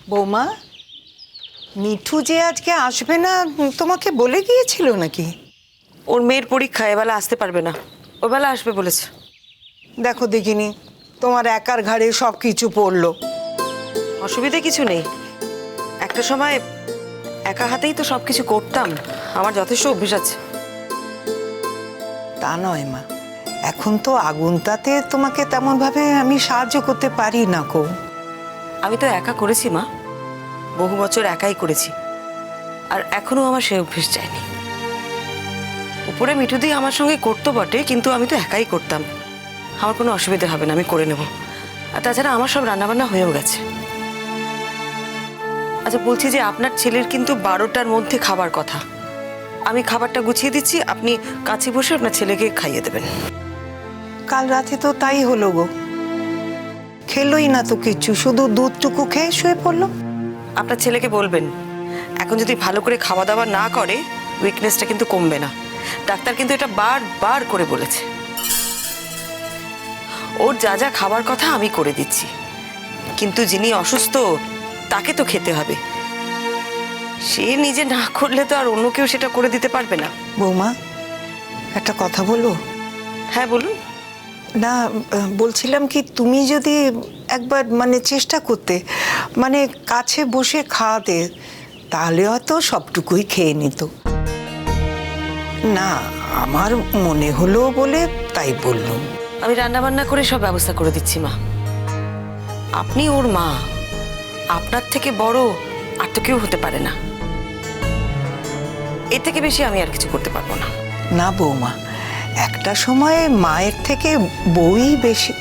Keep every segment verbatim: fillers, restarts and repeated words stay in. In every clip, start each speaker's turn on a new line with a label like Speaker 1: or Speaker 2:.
Speaker 1: বৌমা, মিঠু যে আজকে আসবে না তোমাকে বলে গিয়েছিল নাকি?
Speaker 2: ওর মেয়ের পরীক্ষা, এবেলা আসতে পারবে না, ওবেলা আসবে বলেছে।
Speaker 1: দেখো দেখিনি, তোমার একার ঘাড়ে সব কিছু পড়লো।
Speaker 2: অসুবিধে কিছু নেই, একটা সময় একা হাতেই তো সব কিছু করতাম, আমার যথেষ্ট অভ্যেস আছে।
Speaker 1: তা নয় মা, এখন তো আগুনটাতে তোমাকে তেমন ভাবে আমি সাহায্য করতে পারি না কো।
Speaker 2: আমি তো একা করেছি মা, বহু বছর একাই করেছি, আর এখনো আমার সে অভ্যেস যায়নি। উপরে মিঠুদি আমার সঙ্গে করতো বটে, কিন্তু আমি তো একাই করতাম, আমার কোনো অসুবিধা হবে না, আমি করে নেব। আর তাছাড়া আমার সব রান্নাবান্না হয়েও গেছে। আচ্ছা বলছি যে আপনার ছেলের কিন্তু বারোটার মধ্যে খাবার কথা, আমি খাবারটা গুছিয়ে দিচ্ছি, আপনি কাছে বসে আপনার ছেলেকে খাইয়ে দেবেন।
Speaker 1: কাল রাতে তো তাই হলো গো, খেলোই না তো কিছু, শুধু দুধটুকু খেয়ে শুয়ে পড়লো।
Speaker 2: আপনার ছেলেকে বলবেন এখন যদি ভালো করে খাওয়া দাওয়া না করে উইকনেসটা কিন্তু কমবে না, ডাক্তার কিন্তু এটা বারবার করে বলেছে। ওর যা যা খাবার কথা আমি করে দিচ্ছি, কিন্তু যিনি অসুস্থ তাকে তো খেতে হবে, সে নিজে না করলে তো আর অন্য কেউ সেটা করে দিতে পারবে না।
Speaker 1: বৌমা, একটা কথা বলো।
Speaker 2: হ্যাঁ বলুন।
Speaker 1: না, বলছিলাম কি, তুমি যদি একবার মানে চেষ্টা করতে, মানে কাছে বসে খাওয়াতে, তাহলে হয়তো সবটুকুই খেয়ে নিত। না, আমার মনে হলো বলে তাই বললাম।
Speaker 2: আমি রান্না বান্না করে সব ব্যবস্থা করে দিচ্ছি মা, আপনি ওর মা, আপনার থেকে বড় আর তো কেউ হতে পারে না, এর থেকে বেশি আমি আর কিছু করতে পারবো না।
Speaker 1: না বৌমা, একটা সময়ে মায়ের থেকে বউই বেশি।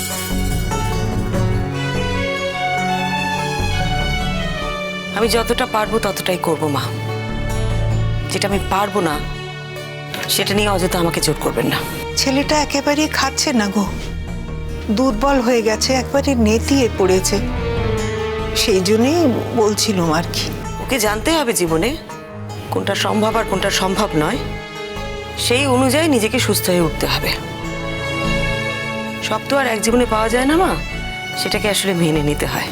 Speaker 2: আমি যতটা পারবো ততটাই করবো মা, যেটা আমি পারবো না সেটা নিয়ে অযথা আমাকে জোর করবেন না।
Speaker 1: ছেলেটা একেবারেই খাচ্ছে না গো, দুর্বল হয়ে গেছে, একবারে নেতিয়ে পড়েছে, সেই জন্যই বলছিলাম আর কি।
Speaker 2: ওকে জানতে হবে জীবনে কোনটা সম্ভব আর কোনটা সম্ভব নয়, সেই অনুযায়ী নিজেকে সুস্থ হয়ে উঠতে হবে। সব তো আর এক জীবনে পাওয়া যায় না মা, সেটাকে আসলে মেনে নিতে হয়।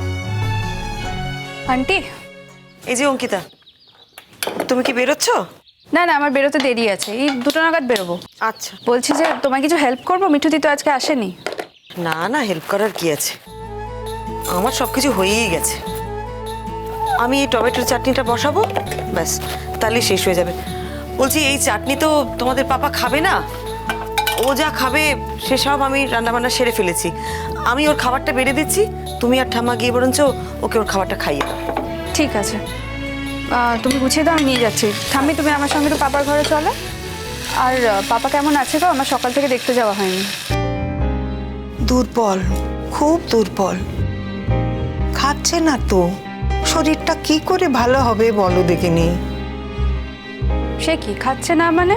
Speaker 3: আন্টি,
Speaker 2: এই যে অঙ্কিতা, তুমি কি বেরোচ্ছ?
Speaker 3: না না, আমার বেরোতে দেরি আছে, এই দুটো নাগাদ বেরোবো।
Speaker 2: আচ্ছা।
Speaker 3: বলছি যে তোমায় কিছু হেল্প করবো, মিঠুদি তো আজকে আসেনি।
Speaker 2: না না, হেল্প করার কি আছে, আমার সব কিছু হয়েই গেছে। আমি এই টমেটোর চাটনিটা বসাবো, ব্যাস তাহলে শেষ হয়ে যাবে। বলছি এই চাটনি তো তোমাদের পাপা খাবে না, ও যা খাবে সেসব আমি রান্নাবান্না সেরে ফেলেছি, আমি ওর খাবারটা বেড়ে দিচ্ছি, তুমি আর ঠাম্মা গিয়ে বরঞ্চ ওকে ওর খাবারটা খাইয়ে দাও।
Speaker 3: ঠিক আছে, আহ, তুমি গুছিয়ে দাও, আমি নিয়ে যাচ্ছি। ঠাম্মি তুমি আমার সঙ্গে তো পাপার ঘরে চলো। আর আহ, পাপা কেমন আছে গো? আমার সকাল থেকে দেখতে যাওয়া হয়নি।
Speaker 1: দুর্বল, খুব দুর্বল, খাচ্ছে না তো, শরীরটা কি করে ভালো হবে বলো দেখিনি।
Speaker 3: সে কি খাচ্ছে না মানে?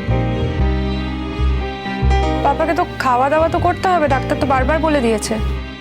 Speaker 3: পাপাকে তো খাওয়া দাওয়া তো করতে হবে, ডাক্তার তো বারবার বলে দিয়েছে।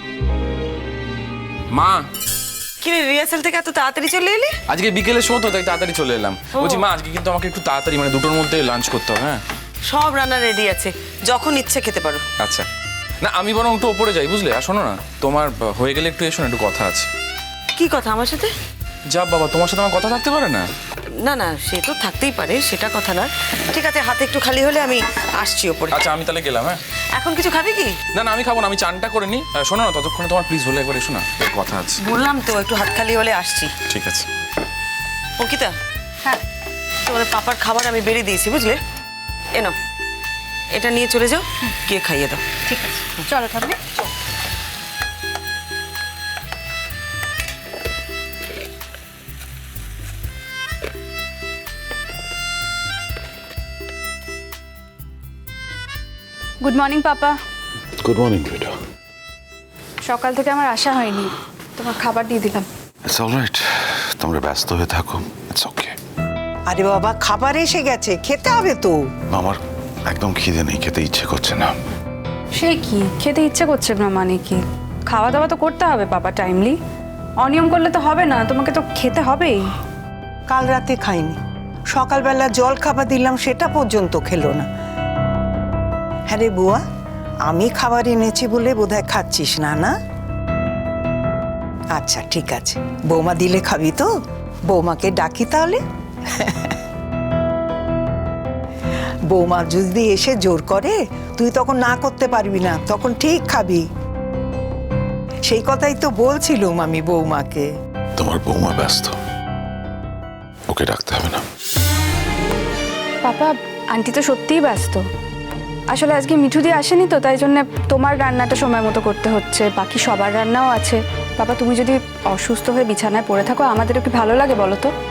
Speaker 4: মা,
Speaker 2: কি রে, রিহার্সাল থেকে এত তাড়াতাড়ি চলে এলি?
Speaker 4: আজকে বিকেলে শো তো, তাই তাড়াতাড়ি চলে এলাম। বলছি মা, আজকে কিন্তু আমাকে একটু তাড়াতাড়ি মানে দুটোর মধ্যে লাঞ্চ করতে হবে। হ্যাঁ
Speaker 2: সব রান্না রেডি আছে, যখন ইচ্ছে খেতে পারো।
Speaker 4: আচ্ছা, না আমি বরং একটু ওপরে যাই, বুঝলে? আর শোনো না, তোমার হয়ে গেলে একটু এসো না, একটু কথা আছে।
Speaker 2: কি কথা আমার সাথে?
Speaker 4: যা বাবা, তোমার সাথে আমার কথা থাকতে পারে না?
Speaker 2: না না, সে তো থাকতেই পারে, সেটা কথা না। ঠিক আছে, হাতে একটু খালি হলে আমি আসছি ওপরে।
Speaker 4: আচ্ছা আমি তাহলে গেলাম। হ্যাঁ
Speaker 2: এখন কিছু খাবি কি?
Speaker 4: না না, আমি খাবো না, আমি চানটা করে নিই। আহ, শোনো না, ততক্ষণে তোমার প্লিজ হলে একবার এসো না, কথা আছে।
Speaker 2: বললাম তো একটু হাত খালি হলে আসছি।
Speaker 4: ঠিক আছে।
Speaker 2: অঙ্কিতা,
Speaker 3: হ্যাঁ,
Speaker 2: তোমাদের পাপার খাবার আমি বেরিয়ে দিয়েছি, বুঝলে? এ নাও, এটা নিয়ে চলে যাও, গিয়ে খাইয়ে দাও।
Speaker 3: ঠিক আছে, চলো ঠাম্মি। Good morning papa.
Speaker 5: Good morning বেটা।
Speaker 3: সকাল থেকে আমার আসা হয়নি, তোমার খাবার দিয়ে দিলাম।
Speaker 5: ইটস অলরাইট, তোমরা ব্যস্ত হয়ে থাকো, ইটস ওকে।
Speaker 1: আরে বাবা, খাবার এসে গেছে, খেতে হবে তো।
Speaker 5: আমার একদম খিদে নেই, খেতে ইচ্ছে করছে না।
Speaker 3: সে কি, খেতে ইচ্ছে করছে না মানে কি? খাওয়া দাওয়া তো করতে হবে পাপা, টাইমলি। অনিয়ম করলে তো হবে না, তোমাকে তো খেতে হবেই।
Speaker 1: কাল রাতে খাইনি, সকালবেলা জল খাবার দিলাম, সেটা পর্যন্ত খেলো না। হ্যাঁ রে বুয়া, আমি খাবার এনেছি বলে বোধহয় খাচ্ছিস না, না? আচ্ছা ঠিক আছে, বৌমা দিলে খাবি তো? বৌমাকে ডাকি তাহলে। বৌমা যদি এসে জোর করে তুই তখন না করতে পারবি না, তখন ঠিক খাবি। সেই কথাই তো বলছিলুম আমি বৌমাকে।
Speaker 5: তোমার বৌমা ব্যস্ত, ওকে ডাকতে হবে না।
Speaker 3: পাপা, আন্টি তো সত্যিই ব্যস্ত। আসলে আজকে মিঠু দিয়ে আসেনি তো, তাই জন্য তোমার রান্নাটা সময় মতো করতে হচ্ছে, বাকি সবার রান্নাও আছে। পাপা, তুমি যদি অসুস্থ হয়ে বিছানায় পড়ে থাকো আমাদেরও কি ভালো লাগে বলো তো?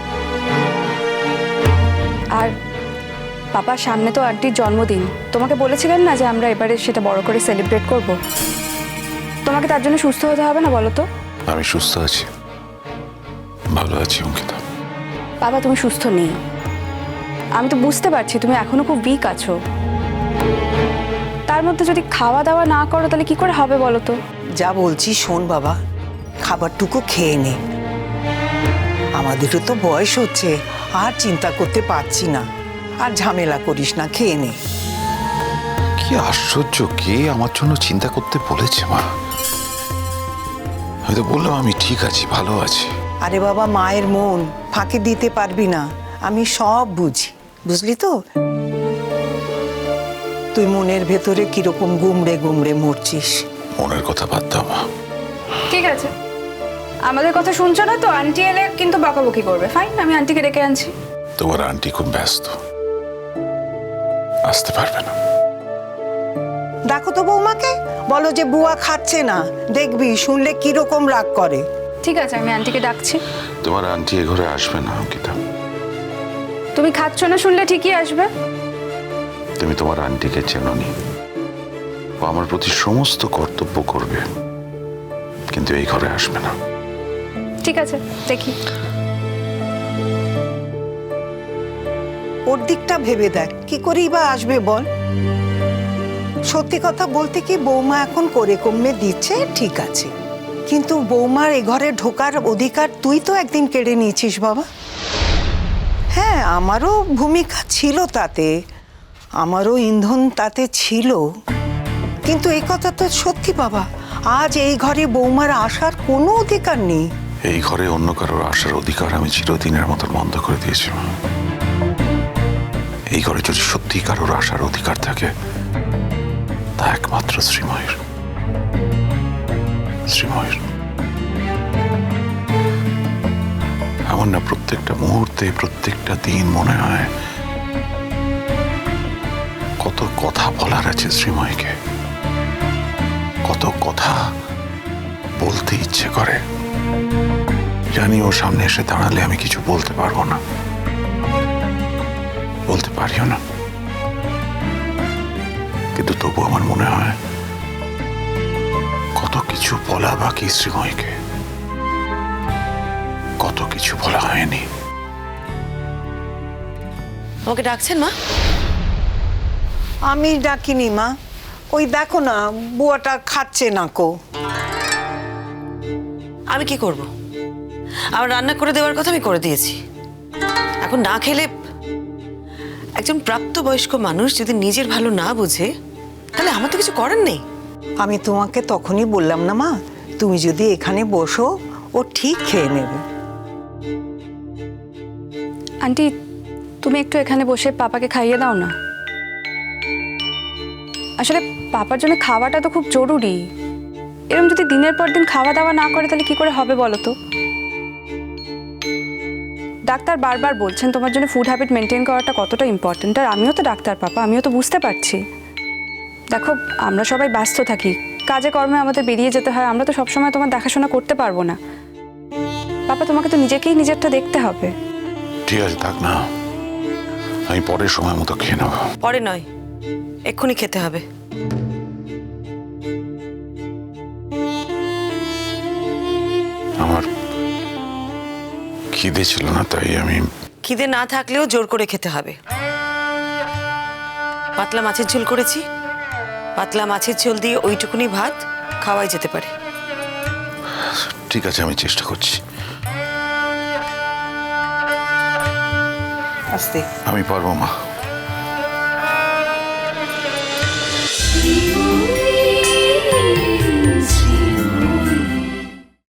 Speaker 3: আর পাপা, সামনে তো আন্টির জন্মদিন, তোমাকে বলেছিলেন না যে আমরা এবারে সেটা বড় করে সেলিব্রেট করব? তোমাকে তার জন্য সুস্থ হতে হবে না বলো তো?
Speaker 5: আমি সুস্থ আছি, ভালো আছি অঙ্কিতা।
Speaker 3: বাবা, তুমি সুস্থ নেই, আমি তো বুঝতে পারছি তুমি এখনো খুব উইক আছো। তার মধ্যে যদি খাওয়া দাওয়া না করো তাহলে কি করে হবে বলো তো?
Speaker 1: যা বলছি শোন বাবা, খাবারটুকু খেয়ে নে। আমাদেরও তো বয়স হচ্ছে, আর চিন্তা করতে পারছি না। আর ঝামেলা করিস না, খেয়ে নে।
Speaker 5: কি আশ্চর্য, কে আমার জন্য চিন্তা করতে বলেছে মা? আমি তো বললাম আমি ঠিক আছি, ভালো আছি।
Speaker 1: আরে বাবা, মায়ের মন ফাঁকি দিতে পারবি না, আমি সব বুঝি, বুঝলি তো? তুই মনের ভেতরে কিরকম গুমড়ে গুমড়ে মরছিস।
Speaker 5: মনের কথা বাদ দাও মা।
Speaker 3: ঠিক আছে, আমাদের কথা শুনছো না তো? আন্টি এলে কিন্তু বকাবকি করবে। ফাইন, আমি আন্টিকে ডেকে আনছি।
Speaker 5: তোমার আন্টি খুব ব্যস্ত, আসতে পারবে না।
Speaker 1: দেখো তো বৌমাকে, বলো যে বুয়া খাচ্ছে না, দেখবি শুনলে কিরকম রাগ করে।
Speaker 3: ঠিক আছে, আমি আন্টিকে ডাকছি।
Speaker 5: তোমার আন্টি এ ঘরে আসবে না অঙ্কিতা।
Speaker 3: তুমি খাচ্ছ না শুনলে ঠিকই আসবে।
Speaker 5: তুমি তোমার আন্টিকে চেনোনি, ও আমার প্রতি সমস্ত কর্তব্য করবে, কিন্তু এই ঘরে আসবে না।
Speaker 3: ঠিক আছে, দেখি।
Speaker 1: ওর দিকটা ভেবে দেখ, কি করেই বা আসবে বল? সত্যি কথা বলতে কি, বৌমা এখন করে কমে দিচ্ছে ঠিক আছে, কিন্তু বৌমার এ ঘরে ঢোকার অধিকার তুই তো একদিন কেড়ে নিয়েছিস বাবা। হ্যাঁ, আমারও ভূমিকা ছিল তাতে, আমারও ইন্ধন তাতে ছিল, কিন্তু এই কথা তো সত্যি বাবা, আজ এই ঘরে বৌমার আসার কোনো অধিকার নেই।
Speaker 5: এই ঘরে অন্য কারোর আসার অধিকার আমি চিরদিনের মতো বন্ধ করে দিয়েছি। এই ঘরে যদি সত্যি কারোর আসার অধিকার থাকে তা একমাত্র শ্রীময়ের। শ্রীময়ের আমার না প্রত্যেকটা মুহূর্তে, প্রত্যেকটা দিন মনে হয় কত কথা বলার আছে শ্রীময়কে, কত কথা বলতে ইচ্ছে করে। জানি ওর সামনে এসে দাঁড়ালে আমি কিছু বলতে পারবো না, বলতে পারিও না, কিন্তু তবু আমার মনে হয় কত কিছু বলা বাকি শ্রীময়কে, কত কিছু বলা হয়নি।
Speaker 2: আমাকে ডাকছেন মা?
Speaker 1: আমি ডাকিনি মা, ওই দেখো না বুয়াটা খাচ্ছে না কো।
Speaker 2: আমি কি করব? আমার রান্না করে দেওয়ার কথা আমি করে দিয়েছি। এখন না খেলে, একজন প্রাপ্তবয়স্ক মানুষ যদি নিজের ভালো না বুঝে তাহলে আমার তো কিছু করার নেই।
Speaker 1: আমি তোমাকে তখনই বললাম না মা, তুমি যদি এখানে বসো ও ঠিক খেয়ে নেবে।
Speaker 3: আন্টি, তুমি একটু এখানে বসে পাপাকে খাইয়ে দাও না। আসলে পাপার জন্য খাওয়াটা তো খুব জরুরি। এরকম যদি দিনের পর দিন খাওয়া দাওয়া না করে তাহলে কি করে হবে বলো তো? ডাক্তার বারবার বলছেন তোমার জন্য ফুড হ্যাবিট মেনটেন করাটা কতটা ইম্পর্টেন্ট, আর আমিও তো ডাক্তার পাপা, আমিও তো বুঝতে পারছি। দেখো, আমরা সবাই ব্যস্ত থাকি, কাজে কর্মে আমাদের বেরিয়ে যেতে হয়, আমরা তো সবসময় তোমার দেখাশোনা করতে পারবো না। পাপা, তোমাকে তো নিজেকেই নিজেরটা দেখতে হবে।
Speaker 5: ঠিক আছে, থাক না, আমি পরের সময় মতো খেয়ে নেব।
Speaker 2: পরে নয়, এক্ষুনি খেতে হবে।
Speaker 5: আমার খিদে ছিল না, তাই আমি।
Speaker 2: খিদে না থাকলেও জোর করে খেতে হবে। পাতলা মাছের ঝোল করেছি, পাতলা মাছের ঝোল দিয়ে ওইটুকুনি ভাত খাওয়াই যেতে পারে।
Speaker 5: ঠিক আছে, আমি চেষ্টা করছি।
Speaker 1: আস্তে।
Speaker 5: আমি পারবো মা।